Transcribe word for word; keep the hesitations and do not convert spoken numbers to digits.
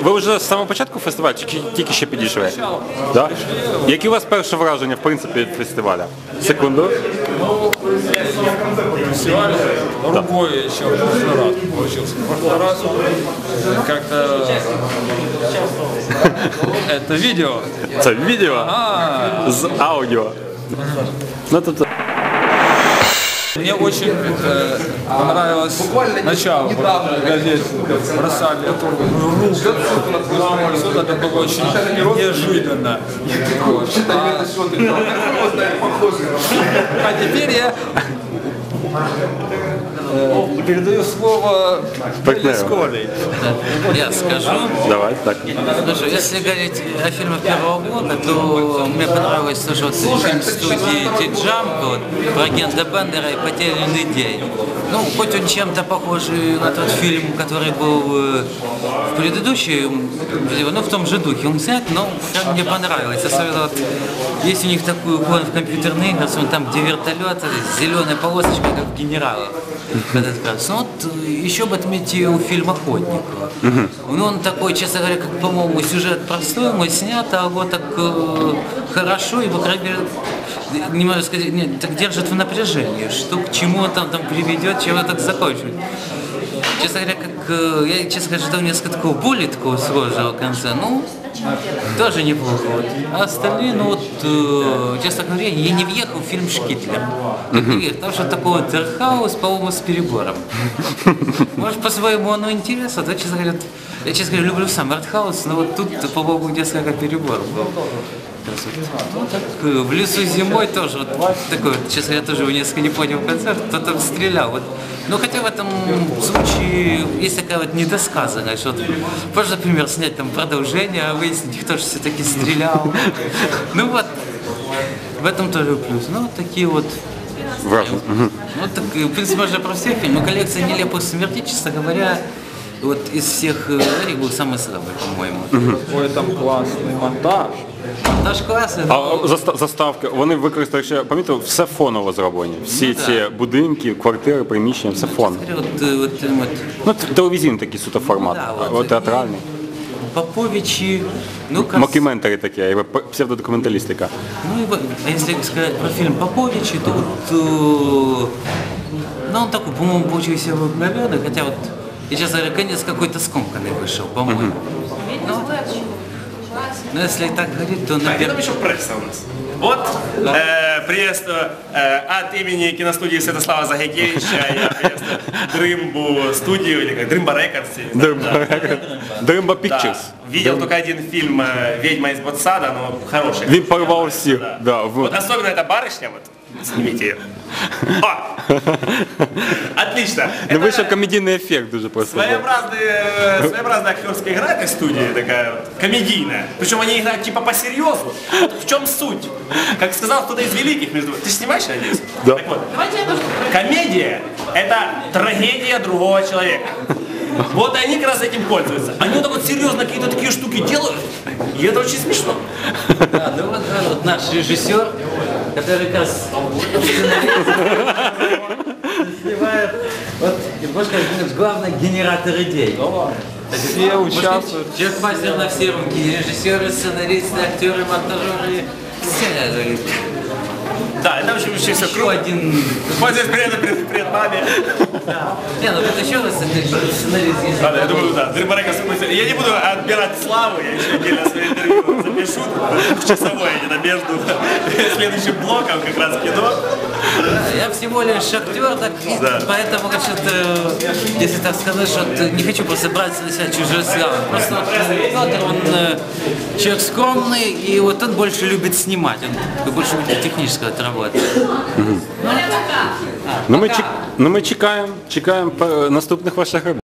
ви вже з самого початку фестивалю, чи тільки ще підійшли? Да? Які у вас перше враження, в принципі, від фестиваля? Секунду. Фестиваль другой еще в прошлый раз получился. В прошлый раз как-то это видео. Це відео А, з аудіо. Ну, тобто... Мне очень э, понравилось начало. В газете бросали эту руку. Это было очень неожиданно. Вот. А, а теперь я э, передаю слово Сколей. Я скажу. Давай, так. Слушай, если говорить о фильмах первого года, то мне понравилось тоже вот фильм студии Ти-Джамп вот, про агента Бендера и «Потерянный день». Ну, хоть он чем-то похожий на тот фильм, который был в предыдущем, ну, в том же духе он снят, но мне понравилось. Особенно вот, есть у них такой уклон в компьютерные игры, там, где вертолет с зеленой полосочкой, как в «Генералах». Ну, вот еще бы отметить фильм «Охотник». Ну, он такой, честно говоря, как, по-моему, сюжет простой, но снят, а вот так э, хорошо, и, по крайней мере, не могу сказать, нет, так держит в напряжении, что к чему он там, там приведет, чем это так закончит. Честно говоря, как, э, я, честно говоря, ждал несколько такого более такого сложного конца, ну, тоже неплохо. Вот. А остальные, ну вот, э, честно говоря, я не въехал в фильм «Шкитлер». Mm-hmm. Потому что такой вот артхаус, по-моему, с перебором. Может, по-своему оно интересно, да, честно говоря, я, честно говоря, люблю сам артхаус, но вот тут, по-моему, несколько перебор был. Ну, так, в лесу зимой тоже, вот такой, честно говоря, тоже несколько не понял концерт, кто там стрелял. Вот. Но хотя в этом случае есть такая вот недосказанность, что вот, можно, например, снять там продолжение, а выяснить, кто же все-таки стрелял. Ну вот, в этом тоже плюс. Ну, вот такие вот. Важно. Ну, так, в принципе, можно про все фильмы. Коллекция «Нелепых смертей», честно говоря, вот из всех Эрик был самый слабый, по-моему. Ой, там классный монтаж. Монтаж класний. А заста- заставки, вони використали ще, пам'ятаєте, все фоново зроблені. Всі Ну, ці да. будинки, квартири, приміщення, все фон. Вот, вот, вот, вот, Ну, т- телевізійний такий суто формат, да, а вот, от театральний. Поповичи, ну, как... Мокюментарі такі, якби псевдодокументалістика. Ну, и, вот, а если сказать про фильм Поповичи, то вот, э, ну, он такой, по-моему, получился обыкновенный, хотя вот, я сейчас говорю, конец какой-то скомканный вышел, по-моему. Mm-hmm. Ну, ну, если так говорить, то, А где наверное... там еще пресса у нас? Вот э, приветствую э, от имени киностудии Святослава Загайкевича, я приветствую Дрымбу студию, или как Дрымба Рекордс. Дримба Pictures. Видел только один фильм э, «Ведьма из Ботсада», но хороший. Він порвав всіх. Да. Да, в- Вот особенно эта барышня, вот, снимите ее. О! Отлично. Ну, Это вийшов комедійний ефект дуже просто. своеобразная, своеобразная актерская игра этой студии, такая вот, комедийная. Причем они играют типа по-серьезу. Вот в чем суть? Как сказал кто-то из великих, между ты же снимаешь, я надеюсь? Да. Так вот, комедия – это трагедия другого человека. Вот они как раз этим пользуются. Они вот так вот серьезно какие-то такие штуки делают, и это очень смешно. Да, ну вот, да, вот наш режиссер, который как раз снимает, вот, и можно сказать, главный генератор идей. Все участвуют. Человек мастер на все руки, режиссеры, сценаристы, актеры, монтажеры, все. Да, это очень все Еще круто. один. Пользуюсь привет, привет, привет маме. Да. Не, ну вот еще раз это сценарист есть. Ладно, я думаю, да. Дрыба Рекордс. Я не буду отбирать славу, я еще отдельно свое интервью запишу в часовое, где-то между следующим блоком как раз кино. Я всего лишь актер, так, Да. поэтому, конечно, если так сказать, что не хочу просто брать на себя чужую славу. Просто вот, Петр, он э, человек скромный, и вот он больше любит снимать, он больше любит техническую работу. Ну ми, чек... ну, ми чекаємо, чекаємо е, наступних ваших робіт.